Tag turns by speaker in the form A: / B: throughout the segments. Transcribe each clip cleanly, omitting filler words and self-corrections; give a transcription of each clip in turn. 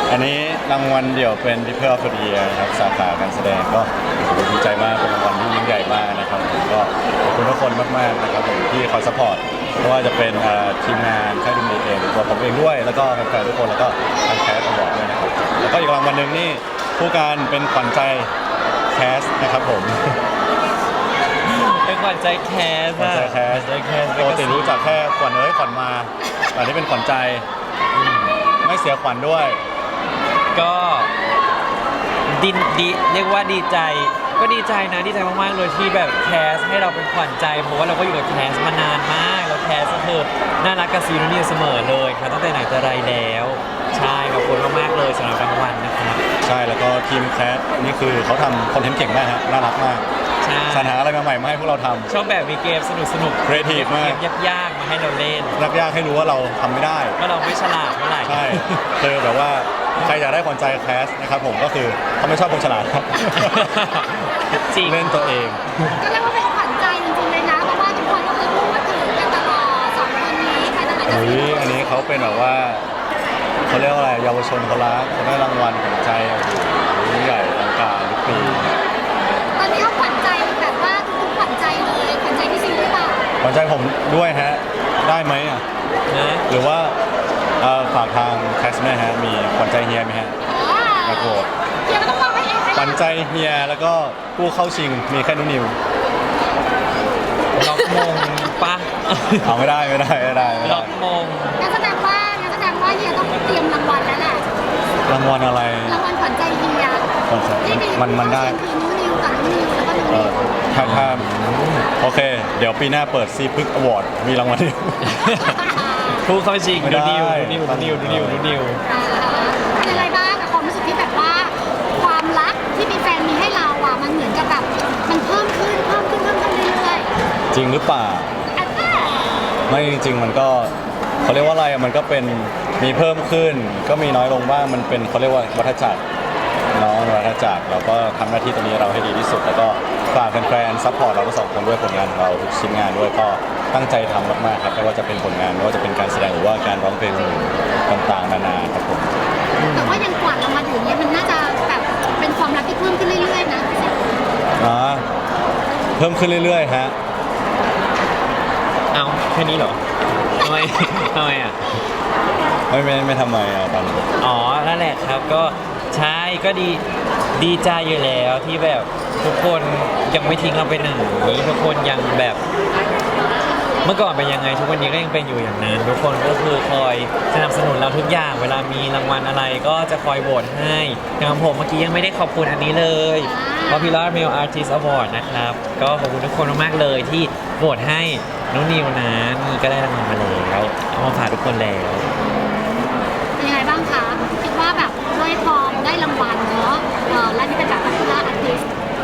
A: อันนี้รางวัลเดี่ยวเป็น People of the Year ครับสาขาการแสดงก็ดีใจมากเป็นรางวัลที่ยิ่งใหญ่มากนะครับผมก็ขอบคุณทุกคนมากๆนะครับผมที่คอยซัพพอร์ตไม่ว่าจะเป็นทีมงานค่ายดูมีเองตัวผมเองด้วยแล้วก็แฟนๆทุกคนแล้วก็ทางแคสต์บอร์ดด้วยนะครับแล้วก็อีกรางวัลหนึ่งนี่ผู้การเป็นขวัญใจแคสต์นะครับผม
B: เป็นขวัญใจแคส
A: ขวัญใจแคสปกติรู้จักแค่ขวัญขวัญมาแต่นี่เป็นขวัญใจไม่เสียขวัญด้วย
B: ก็ดีเรียกว่าดีใจก็ดีใจนะดีใจมากๆเลยที่แบบแคสให้เราเป็นขวัญใจเพราะว่าเราก็อยู่กับแคสมานานมากแล้วแคสก็คือน่ารักกับซีรีส์เสมอเลยครับตั้งแต่ไหนแต่ไรแล้วใช่ขอบคุณมากๆเลยสำหรับรางวัลนะครับ
A: ใช่แล้วก็ทีมแคสนี่คือเขาทำคอนเทนต์เก่งมากฮะน่ารักมากสรรหาอะไรใหม่ๆมาให้พวกเราทำ
B: ชอบแบบมีเกมสนุก
A: ครีเอทีฟมาก
B: ยากๆมาให้เราเล่น
A: ยากให้รู้ว่าเราทำไม่ได้
B: ว่าเราไม่ฉลาดเท่าไหร่
A: ใช่คือแบบว่าใครอยากได้ขวัญใจแคสนะครับผมก็คือเขาไม่ชอบคนฉลาดครับ
B: จริง
A: เล่นตัวเอง
C: ก็เรียกว่าเป็นขวัญใจจริงๆเลยนะเพราะว่าทุกคนก็เคยพูดถึงกันตลอดสองคนนี้ใครต่างๆจะ
A: อันนี้เขาเป็นแบบว่าเขาเรียกว่าอะไรเยาวชนเขารักเขาได้รางวัลขวัญใจยิ่งใหญ่อลังการทุกปี
C: ตอนนี้เขาขวัญใจแบบว่าทุกๆขวัญใจเลยขวัญใจที่จริงหรือเปล่า
A: ขวัญใจผมด้วยฮะได้ไหมอ่ะหรือว่าฝากทางแคสเมอร์ฮะมีขวัญใจเฮียไหมฮะกระโดด
C: เฮียก็ต้องมองให้เอง
A: ขวัญใจเฮียแล้วก็ผู้เข้าชิงมีแค่นุนิว
B: ล็อกมงปะ
A: เอาไม่ได้
B: ล็อกมง
C: งั้นแสดงว่าเฮียต้องเตรียมรางวัลแล้วแหละ
A: รางวัลอะไร
C: รางวัลขวัญใจเฮีย
A: มันได้
C: คือนุนิวกับนุนิวแล้วก็นุนิว
A: ถ้าโอเคเดี๋ยวปีหน้าเปิดซีพึกอวอร์ดมีรางวัลเดียว
B: ผู้เข้าชิงดูนิว
C: เป็นอะไรบ้างกับความรู้สึกที่แบบว่าความรักที่มีแฟนมีให้เราอ่ะมันเหมือนกับแบบมันเพิ่มขึ้นเรื่อย
A: ๆจริงหรือเปล่าไม่จริงมันก็เขาเรียกว่าอะไรมันก็เป็นมีเพิ่มขึ้นก็มีน้อยลงบ้างมันเป็นเขาเรียกว่าวัฏจักรเราก็ทำหน้าที่ตรงนี้เราให้ดีที่สุดแล้วก็ฝากแฟนๆซัพพอร์ตเราทั้งสองคนด้วยผลงานของเราทุกชิ้นงานด้วยก็ตั้งใจทำมากๆครับไม่ว่าจะเป็นผลงานไม่ว่าจะเป็นการแสดงหรือว่าการร้องเพลงต่างๆนานาครับผม
C: แต่ว่ายังกว่าเรามาถึงเนี้ยมันน่าจะแบบเป็นความรักที่เพิ่มขึ้นเรื่อยๆนะ
A: เพิ่มขึ้นเรื่อยๆฮะ
B: เอาแค่นี้เหรอทำไมอ่ะ
A: ไม่ทำไมอ่ะตอนนี้
B: อ๋อนั่นแหละครับก็ใช่ก็ดีใจอยู่แล้วที่แบบทุกคนยังไม่ทิ้งเราไปไหนทุกคนยังแบบเมื่อก่อนเป็นยังไงทุกวันนี้ก็ยังเป็นอยู่อย่างนั้นทุกคนก็คือคอยสนับสนุนเราทุกอย่างเวลามีรางวัลอะไรก็จะคอยโหวตให้อย่างผมเมื่อกี้ยังไม่ได้ขอบคุณอันนี้เลย Popular Male Artist Award นะครับก็ขอบคุณทุกคนมากๆเลยที่โหวตให้น้องนิวนะนี่ก็ได้รางวัลมาแล้วเอามาฝากทุกคนแล้ว
C: เป็นยังไงบ้างคะคิดว่าแบบด้วยพอได้รางวัลเนาะและนี่เป็นแบบ Popular Artist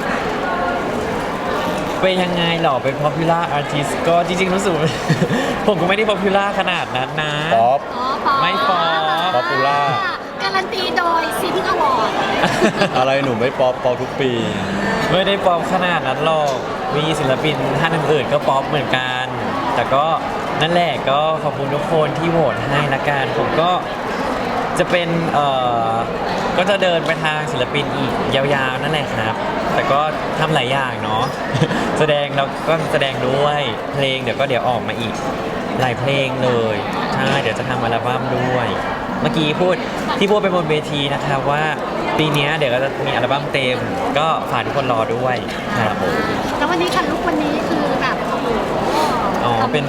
B: เป็นยังไงหรอเป็น popular artist ก็จริงๆรู้สึก ผมก็ไม่ได้ popular ขนาดนั้นนะ
A: ป๊อป
B: ไม่ป๊อป
A: popular
C: การันตีโดยซีพิกอวอร์ด
A: อะไรหนูไม่ป๊อปทุกปี
B: ไม่ได้ป๊อปขนาดนั้นหรอกมีศิลปินท่านอื่นๆก็ป๊อปเหมือนกันแต่ก็นั่นแหละก็ขอบคุณทุกคนที่โหวตให้ละกันผมก็จะเป็นก็จะเดินไปทางศิลปินอีกยาวๆนั่นแหละครับแต่ก็ทำหลายอย่างเนาะแสดงแล้วก็แสดงด้วยเพลงเดี๋ยวออกมาอีกหลายเพลงเลยใช่เดี๋ยวจะทำอัลบั้มด้วยเมื่อกี้พูดไปบนเวทีนะครับว่าปีนี้เดี๋ยวก็จะมีอัลบั้มเต็มก็ฝากทุกคนรอด้วยครับผม
C: แล้ววันนี้ค่ะลุควันนี้คือแบบ
B: อ๋อเป็น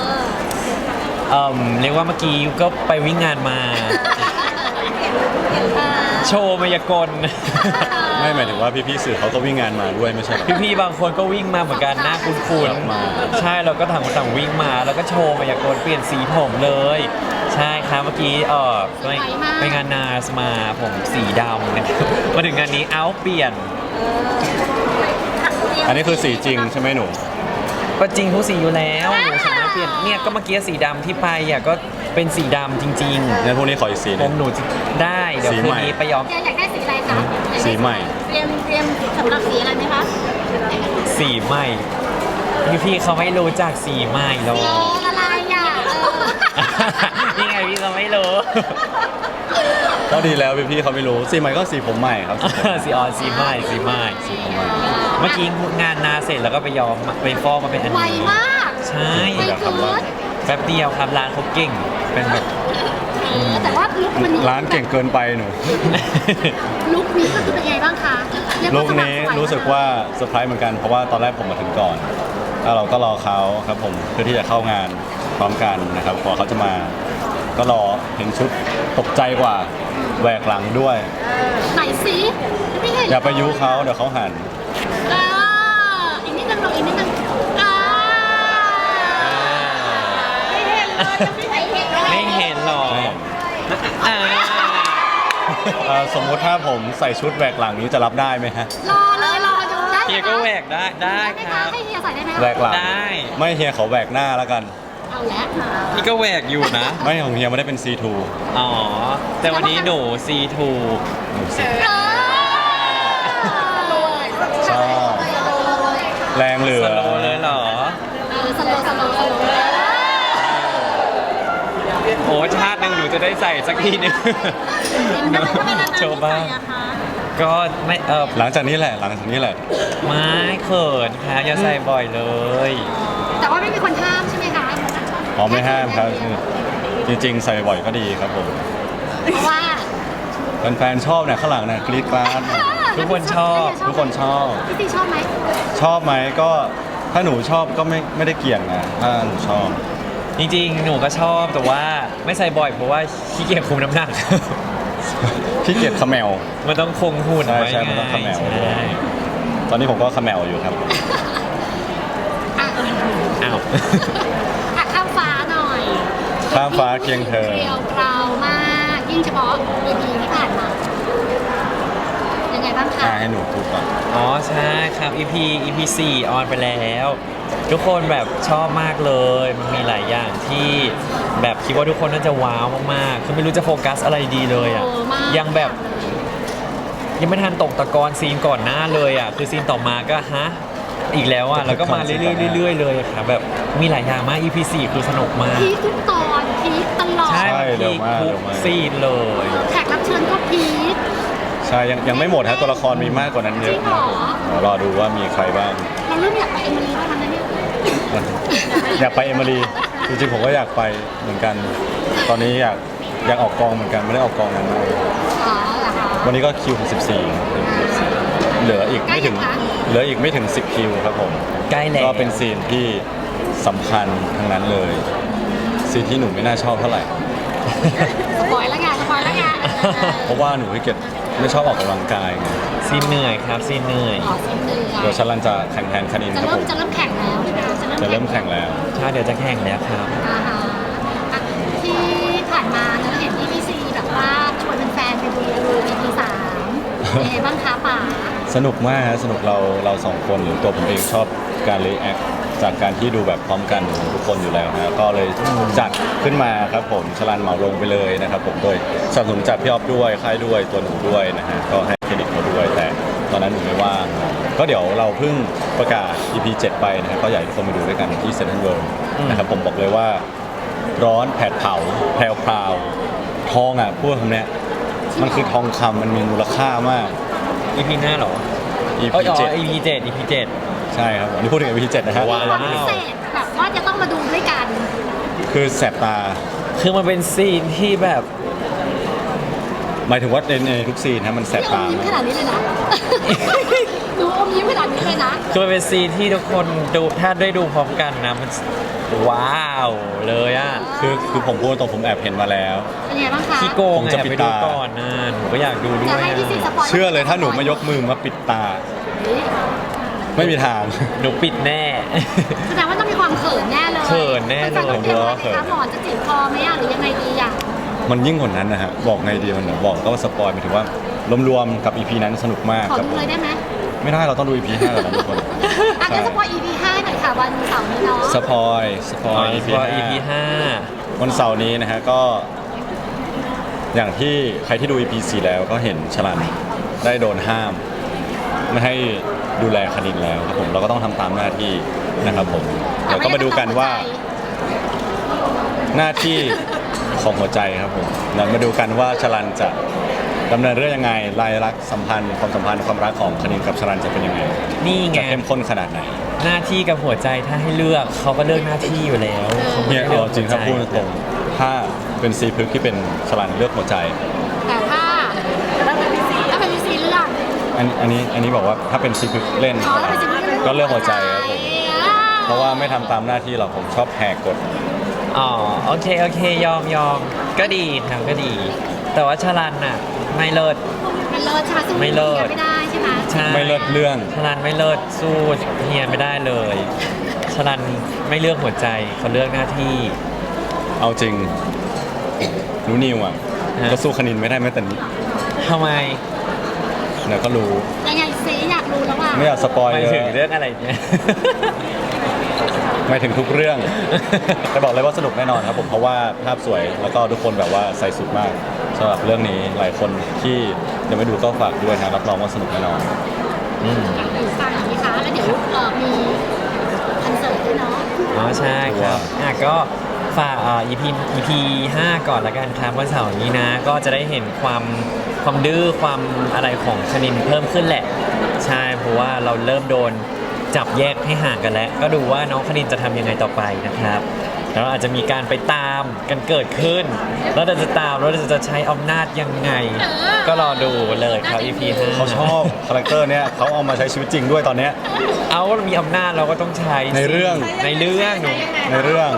B: เรียกว่าเมื่อกี้ก็ไปวิ่งงานมาโชว์มายากล
A: ไม่หมายถึงว่าพี่ๆสื่อเขาก็วิ่งงานมาด้วยไม่ใช่
B: พี่ๆบางคนก็วิ่งมาเหมือนกันหน้าคุ้นๆใช่เราก็ต่างวิ่งมาแล้วก็โชว์มายากลเปลี่ยนสีผมเลยใช่ครับเมื่อกี้ไปงานนาสมาผมสีดำนะครับมาถึงงานนี้เปลี่ยน
A: อันนี้คือสีจริงใช่ไหมหนู
B: ก็จริงทุกสีอยู่แล้วหนูสามารถเปลี่ยนเนี่ยก็เมื่อกี้สีดำที่ไปก็เป็นสีดำจริงๆ
A: งั้นพวกนี้ขออีกสีนึง
B: หนูได้เดี๋ยวคืนนี้ไปย้อม
C: อยากได้สีอะไรคะ
A: สีใหม่
C: เตรียมสำหรับสีอะไรไหมคะ
B: สีใหม่พี่เขาไม่รู้จักสีใหม่หรอก
C: อะไรอ่ะ
B: นี่ไงพี่เขาไม่รู้
A: ผก็ดีแล้วพี่ๆเขาไม่รู้สีใหม่ก็สีผมใหม่ครับ
B: สีออนสีใหม่สีใหม่ เมื่อกี้งานนาเสร็จแล้วก็ไปย้อมไปฟอกมาเป็นอัน
C: ไว
B: นี้
C: มาก
B: ใช่
C: ไวเกิน
B: แป๊บเดียวครับร้านเขาเก่งเป็นแบบ
C: แต่ว่าลุควันนี้
A: ร้านเก่งเกินไปหนู
C: ลุคนี้ก็คือเป็นไงบ้างคะเรีย
A: ลู
C: ว่าก สว่าง
A: นี้
C: ไส
A: รู้สึกว่าเซอร์ไพรส์เหมือนกันเพราะว่าตอนแรกผมมาถึงก่อนแล้วเราก็รอเขาครับผมเพื่อที่จะเข้างานพร้อมกันนะครับพอเขาจะมา ก็รอเห็นชุดตกใจกว่าแหวกหลังด้วย
C: ไหนสิไม่เห็น
A: อย่าไปยุเขาเดี๋ยวเขาหัน
C: เอออีกนิดนึงลงอีกนิดนึงไม่เห็นเลยไม่เห็นเลย
B: ไม่เห็นหรออ่า
A: สมมุติถ้าผมใส่ชุดแหวกหลังนี้จะรับได้ไหมฮะ
C: รอเลยรอดูได้
B: เฮียก็แหวกได้ได้
C: ไหม
B: ค
C: คะ
B: รับ
C: ให้เฮียใส่ได้ไหม
A: แหวกหลัง
B: ได้
A: ไม่เฮียเขาแหวกหน้าแล้วกัน
C: เอาแล้ว
B: นี่ก็แหวกอยู่นะ
A: ไม่ของเฮียไม่ได้เป็น C2
B: อ๋อ แต่วันนี้หนู C2
A: ชอบแรงเหลื
B: ส
A: อ
B: โลว์เลยเหรอ
C: สโลว์สโลว์สโลว์
B: โอ้ชาติหนึ่งหนูจะได้ใส่สักทีหนึง โชว์บ้าง ก็ไม่
A: หลังจากนี้แหละหลังจากนี้แหละ
B: ไม่เขินค่ะอย่าใส่บ่อยเลย
C: แต่ว่าไม่มีคนห้ามใช่ไหมคะ
A: อ๋อไม่ห้ามครับจริงๆ ใส่บ่อยก็ดีครับผม
C: เพราะว่า
A: แฟนๆชอบเนี่ยข้างหลังเนี่ยกรี๊ดกราด
B: ทุกคนชอบ
A: ทุกคนชอบ
C: พี่ตีชอบไหม
A: ชอบไหมก็ถ้าหนูชอบก็ไม่ได้เกี่ยงนะถ้าหนูชอบ
B: จริงๆ หนูก็ชอบแต่ว่าไม่ใส่บ่อยเพราะว่าขี้เกียจคุมน้ำหนัก
A: พี่เกียจเขมว
B: มันต้องคงหุ่น
A: ใช่
B: ไว้
A: ใช่
B: ไง
A: มันต้องเขม่า
B: ใช่
A: ตอนนี้ผมก็เขมวอยู่ครับ
C: อ่ะ
B: อ้าว
C: อ่ะข้ามฟ้าหน่อย
A: ข้ามฟ้าเคียงเธอ
C: เรียวกราวมากยิ่งเฉพาะ EP ที่ผ่านมายังไงบ้างคะ
A: ให้หนูพูดก่อน
B: อ๋อใช่ครับ EP 4ออนไปแล้ว ทุกคนแบบชอบมากเลย มันมีหลายอย่างที่แบบคิดว่าทุกคนน่าจะว้าวมากๆคือไม่รู้จะโฟกัสอะไรดีเลยอ่ะ
C: โอ้มาก
B: ยังแบบยังไม่ทันตกตะกอนซีนก่อนหน้าเลยอ่ะคือซีนต่อมาก็ฮะอีกแล้วอ่ะแล้วก็มาเรื่อยๆเลยครับแบบมีหลายอย่างมาก EP 4คือสนุกมาก
C: พีคทุกตอนพีคตลอด
B: ใช่
A: เร็
B: พี
A: วมาก
B: ทุ
A: เร็
B: ก
A: วมาก
B: ซีนเลย
C: แขกรับเชิญก็พีค
A: ใช่ยังไม่หมดฮะตัวละครมีมากกว่านั้นเยอะ
C: จริงเหรอ
A: เดี๋ยวรอดูว่ามีใครบ้าง
C: เราเริ่มอยากไปเอมิลีบ้างนะเนี่ย
A: อยากไปเอมิรีจริงๆผมก็อยากไปเหมือนกัน ตอนนี้อยากออกกองเหมือนกันไม่ได้ออกกองนานมาก
C: อ๋อเหรอคะ
A: วันนี้ก็คิวถึง14เหลืออีกไม่ถึง
C: ใกล้ยังคะ
A: เหลืออีกไม่ถึง10คิวครับผม
B: ใกล้แล้ว
A: ก็เป็นซีนที่สำคัญทั้งนั้นเลยซีนที่หนูไม่น่าชอบเท่าไหร่
C: สปอยแล้วไงสปอยแล้วไง
A: เพราะว่าหนูไม่เก็ตไม่ชอบออกกำลังกายไง
B: ซีนเหนื่อยครับซีนเหนื่อย
C: อ๋อสิ้นเดือน
A: เดี๋ยวชันลันจะแข่งแทนคณิน
C: จะ
A: ครับ
C: เริ่
A: ผม ม
C: จะเริ่มแข่งแล้วใช่ไหมคะ
A: จะเริ่มแข่งแล้ว
B: ใช่เดี๋ยวจะแข่งแล้วครับ
C: อ่าฮะอ่ะที่ผ่านมาเราเห็น EPC แบบว่าชวนแฟนๆไปดู EP 3เป็นไงบ้างคะป๋า
A: สนุกมากฮะสนุกเราสองคนหรือตัวผมเองชอบการรีแอคจากการที่ดูแบบพร้อมกันของทุกคนอยู่แล้วนะก็เลยจัดขึ้นมาครับผมชลันเหมาลงไปเลยนะครับผมโดยสนับสนุนจากพี่ออฟด้วยค่ายด้วยตัวหนูด้วยนะฮะก็ให้เครดิตเขาด้วยแต่ตอนนั้นหนูไม่ว่างก็เดี๋ยวเราเพิ่งประกาศ EP 7 ไปนะครับก็อยากให้ทุกคนมาดูด้วยกันที่เซ็นทรัลเวิลด์นะครับผมบอกเลยว่าร้อนแผดเผาแพรวพราวทองอ่ะพูดคำเนี้ยมันคือทองคำมันมีมูลค่ามาก
B: EP หน้าเหรอ
A: EP
B: อ๋อ
A: 7
B: EP 7 EP 7
A: ใช่ครับอันนี้พูดถึง EP 7นะฮะ
B: ว้าว
C: ความพิเศษแบบว่าจะต้องมาดูด้วยกัน
A: คือแสบตา
B: คือมันเป็นซีนที่แบบ
A: หมายถึงว่าในทุกซีนนะมันแสบ
C: พี่อ
A: ตาม
C: ยิ้มขนาดนี้เลยนะ หนูอมยิ้มขนาดนี้เลยนะ
B: คือมันเป็นซีนที่ทุกคนดูถ้าได้ดูพร้อมกันนะมันว้าวเลยอ่ะ
A: คือผมพูดตรงผมแอบเห็นมาแล้ว
C: เป็นไงบ้างคะ
B: พี่โกง
A: ผม
B: อ
A: จะ
B: ยาก
A: ปิด
B: ไปดู
A: ตา
B: ก่อนนะหนูก็อยากดูด้ว
C: จะ
B: ย
C: ให้พี่ซีส
B: อะ
C: ปอย
A: เชื่อเลยถ้าหนูมายกมือมาปิดตา
C: เฮ้ย
A: ไม่มีทาง
B: หนูปิดแน่
C: แสดงว่าต้องมีความเขินแน่เลย
B: เขินแน่เลย
C: แฟๆต้องเตรียมไว้ไหมคะหมอนจะจีบคอไหมอะหรือยังไงดีอะ
A: มันยิ่งกว่านั้นนะฮะบอกไงดีมันบอกก็สปอยหมายถึงว่ารวมๆกับ EP นั้นสนุกมาก
C: ขอ
A: ครับ
C: ดู
A: ผม
C: เลยได้ไหม
A: ไม่ได้เราต้องดู EP 5ก่อนนะทุกคน
C: อ่ะงั้นสปอย EP 5หน่อยค่ะวันเสาร์นี้เนาะ
A: สปอย EP
B: EP
A: 5วันเสาร์นี้นะฮะก็ อย่างที่ใครที่ดู EP 4 แล้วก็เห็นชลันได้โดนห้าม ไม่ให้ดูแลคณินแล้วครับผมเราก็ต้องทำตามหน้าที่นะครับผมเดี๋ยวก็มาดูกันว่าหน้าที่ของหัวใจครับผมแล้วมาดูกันว่าชลันจะดำเนินเรื่องยังไงรายลักษณ์สัมพันธ์ความรักของคณินกับชลันจะเป็นยังไง
B: นี่ไง
A: จะเข้มข้นขนาดไหน
B: หน้าที่กับหัวใจถ้าให้เลือกเขาก็เลือกหน้าที่อยู่แล้วเขาไม่
A: เนี่ย
B: เลือก
A: เอาจริงถ้าพูดตรงๆถ้าเป็นซีพึกที่เป็นชลันเลือกหัวใจ
C: แต่ถ้าเป็นพีซีเรื่อง
A: อันนี้บอกว่าถ้าเป็นซีพึกเล่น
C: อ๋อถ้าเป็นซีรีส์
A: ก็เลือกหัวใจครับผมเพราะว่าไม่ทำตามหน้าที่หรอกผมชอบแหกกฎ
B: อ๋อโอเคยอมก็ดีครับก็ดี แต่ว่าชลันน่ะไม่เลิศ
C: ไม่เลิศใช่ไหมสู้
B: ไม่เลิศ
C: ไม่ได้ใช่ไหม
B: ใช่
A: ไม่เลิศเรื่อง
B: ชลันไม่เลิศสู้เฮียไม่ได้เลยชลันไม่เลือกหัวใจเขาเลือกหน้าที่
A: เอาจริงรู้นิวอ่ะ
B: ฮะ
A: ก็สู้คณินไม่ได้แม้แต่นิด
B: ทำไม
A: เดี๋ยวก็รู้
C: ยังไงซีอยากรู้แล้วว่า
A: ไม่อยากสปอย
B: หมาย
A: เลย
B: ถึงเรื่องอะไรเนี่ย
A: ไม่ถึงทุกเรื่อง แต่บอกเลยว่าสนุกแน่นอนครับผมเพราะว่าภาพสวยแล้วก็ทุกคนแบบว่าใส่สุดมากสำหรับเรื่องนี้หลายคนที่ยังไม่ดูก็ฝากด้วยนะรับรองว่าสนุกแน่นอน
B: อืม
C: อยู่ฟังอย่างนี้คะแล้วเดี๋ยวมีคอนเสิร์ตด้วยเนาะ
B: อ๋อใช่ครับก็ฝากEP 5 ก่อนละกันครับวันเสาร์นี้นะ ก็จะได้เห็นความดื้อความอะไรของชนินเพิ่มขึ้นแหละ ใช่เพราะว่าเราเริ่มโดนจับแยกให้ห่างกันแล้ว ก็ดูว่าน้องคณินจะทำยังไงต่อไปนะครับแล้วอาจจะมีการไปตามกันเกิดขึ้น แล้วเราจะตามแล้วเราจะใช้อำนาจยังไง ก็รอดูเลยครับ EP 5
A: เขาชอบคาแรคเตอร์เนี้ยเขาเอามาใช้ชีวิตจริงด้วยตอนเนี้ย
B: เอามีอำนาจเราก็ต้องใช้สิ
A: ในเรื่อง
B: ในเรื่องหนู
A: ในเรื่อง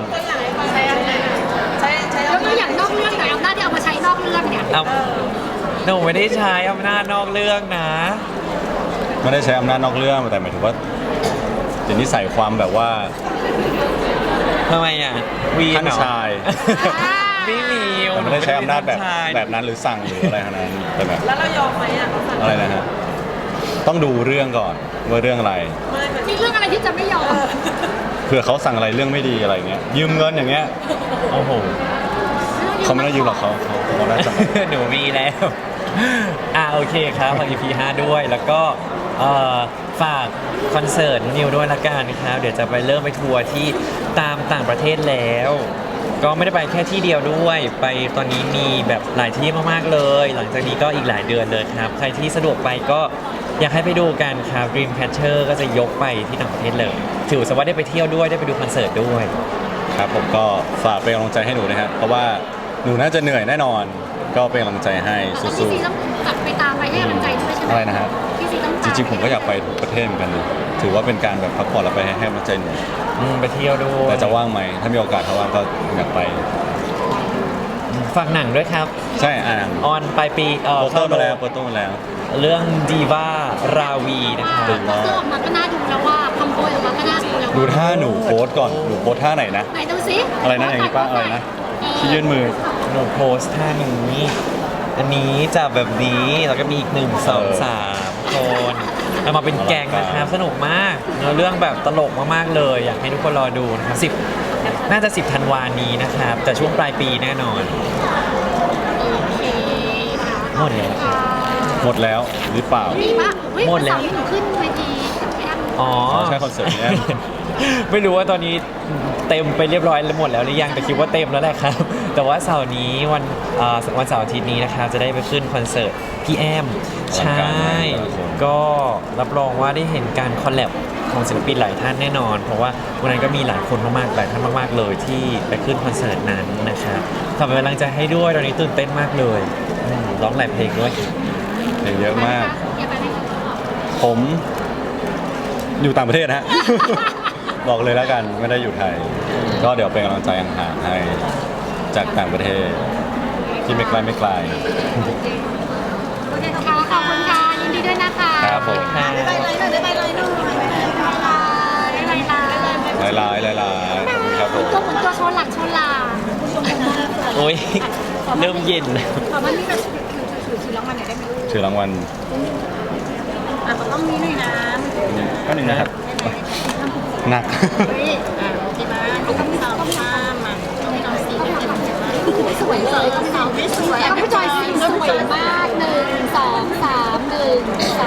C: แล้วก็อย่างนอกเรื่องไหนอำนาจที่เอามาใช้นอกเรื่องเนี่ย
B: เอาหนูไม่ได้ใช้อำนาจนอกเรื่องนะ
A: ไม่ได้ใช้อำนาจนอกเรื่องแต่หมายถึงว่าเดี๋ยวนี้ใส่ความแบบว่า
B: ทำไมอ่ะวีน
A: ท่าน
B: เหรอ
A: ชาย
B: ไม่มี
A: แต่ไม่ได้ใช้อำนาจแบบ
B: ท่ชย
A: แบบนั้นหรือสั่งหรืออะไรขนาดนั้นแต่แบบ
D: แล้วเรายอมไหมอ่ะ
A: อะไรนะฮะต้องดูเรื่องก่อนว่าเรื่องอะไร
C: มีเรื่องอะไรที่จะไม่ยอม
A: เผื่อเขาสั่งอะไรเรื่องไม่ดีอะไรเงี้ยยืมเงินอย่างเงี้ย
B: โอ้โห
A: เขาไม่ได้ยืมหรอกเขาได้จัง
B: หนูมีแล้วโอเคครับฝาก EP 5 ด้วย แล้วก็ฝากคอนเสิร์ตนิวด้วยละกันครับ เดี๋ยวจะไปเริ่มไปทัวร์ที่ตามต่างประเทศแล้ว ก็ไม่ได้ไปแค่ที่เดียวด้วย ไปตอนนี้มีแบบหลายที่มากๆเลย หลังจากนี้ก็อีกหลายเดือนเลยครับ ใครที่สะดวกไปก็อยากให้ไปดูกันครับ Dreamcatcher ก็จะยกไปที่ต่างประเทศเลย ถือซะว่าได้ไปเที่ยวด้วยได้ไปดูคอนเสิร์ตด้วย
A: ครับผมก็ฝากเป็นกำลังใจให้หนูนะฮะเพราะว่าหนูน่าจะเหนื่อยแน่นอน ก็เป็นกำลังใจให้
C: พี่
A: สู้
C: ซีต้องกลับไปตามไปให้กำลังใจด้วยใช่ไหม
A: อะไรนะฮะ
C: พี่ซีต้อง
A: ๆจริงๆผมก็อยากไปทุกประเทศเหมือนกันนะถือว่าเป็นการแบบพักผ่อนแล้วไปให้กำลังใจหนู
B: ไปเที่ยวด้วย
A: แต่จะว่างไหมถ้ามีโอกาสถ้าว่างก็อยากไป
B: ฝากหนังด้วยครับ
A: ใช่อ่าน
B: ออนปลายปี
A: โปสเตอร์มาแล้วโปสเตอร์มาแล้ว
B: เรื่องดีว่าราวีนะคะ
C: เสื้อออกมาก็น่าดูแล้วว่าคำโพยออกมาก็น่าดูแล้ว
A: ดูท่าหนูโพสก่อนหนูโพสท่าไหนนะ
C: ไหนดูซิ
A: อะไรนะอย่างนี้ป้าอะไรนะที่ยื่นมือ
B: หนูโพสท่านี้อันนี้จะแบบนี้แล้วก็มีอีก1 2 3 คนเอามาเป็นแกงนะครับสนุกมากเนื้อเรื่องแบบตลกมากๆเลย อยากให้ทุกคนรอดูนะครับ10น่าจะ10 ธันวานี้นะครับแต่ช่วงปลายปีแน่นอน
C: โอเคค่ะ
B: หมดแล้ว
A: หมดแล้วหรือเปล่า
C: มีป่ะเฮ้ย
B: หมดแล้ว
C: วันเสาร์นี้หนูขึ้นเวทีกับพี่แอม
B: อ๋อ
A: ใช่คอนเสิร์ตนี้
B: ไม่รู้ว่าตอนนี้เต็มไปเรียบร้อยแล้วหมดแล้วหรือยังแต่คิดว่าเต็มแล้วแหละครับ แต่ว่าเสาร์นี้วันเสาร์อาทิตย์นี้นะครับจะได้ไปขึ้นคอนเสิร์ตพี่แอม
A: อลัง
B: ใช่
A: การมากครับผม
B: ก็รับรองว่าได้เห็นการคอลแลบของศิลปินหลายท่านแน่นอน เพราะว่าวันนั้นก็มีหลายคนมากๆหลายท่านมากๆเลยที่ไปขึ้นคอนเสิร์ตนั้นนะครับขอเป็นกำลังใจให้ด้วยตอนนี้ตื่นเต้นมากเลยร้องหลายเพลงด้วย
A: เพลงเยอะมาก
C: อย่าไปเลย
A: ผมอยู่ต่างประเทศนะฮะ บอกเลยแล้วกันไม่ได้อยู่ไทย ก็เดี๋ยวเป็นกำลังใจห่างๆให้จากต่างประเทศ ที่ไม่ไกลไม่ไกล
C: โอเคค่ะขอบคุณค่ะยินดีด้วยนะคะ
A: ครับผม
B: ค่ะ
C: บ๊ายบายเลยหน่อยบ๊ายบายเลยหน่อยบ๊ายบายบ๊ายบายบ๊ายบาย
A: หลายๆขอบคุณครับผม
C: ตัวเหมือนตัวโชว์หลังโชว์หลัง
B: โอ้ยเริ่มเย็นแล้ว
C: ขอมันนี่แบบถือรางวัลหน่อยได้ไหม
A: ถือรางวัล
C: มันต้องมีหน่อยนะ
A: ก็หนึ่งนะครับ หนัก
C: เฮ้ยโอเคนะต้องมีต้องข้ามอ่ะต้องมีน้องซีเป็นสวยเลยต้องสาวไม่สวยต้องพี่จอยซีสวยมาก1 2 3 1 2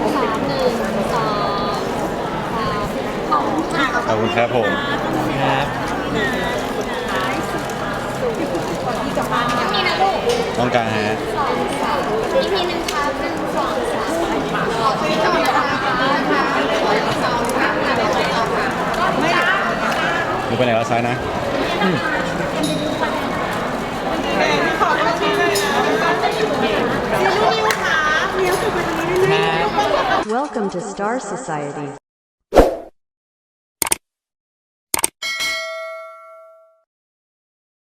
C: 3 1 2 3ขอบคุณค่ะ
A: ขอบคุณครับผม
B: ครับ
C: ที่กลับมา
A: ต้องการฮะ
C: อีกทีหนึ่งครับ1 2 3ขอบคุณค่ะ
A: มึงไปไหนแล้วซ้ายนะ
B: ครับ
D: Welcome to Star Society.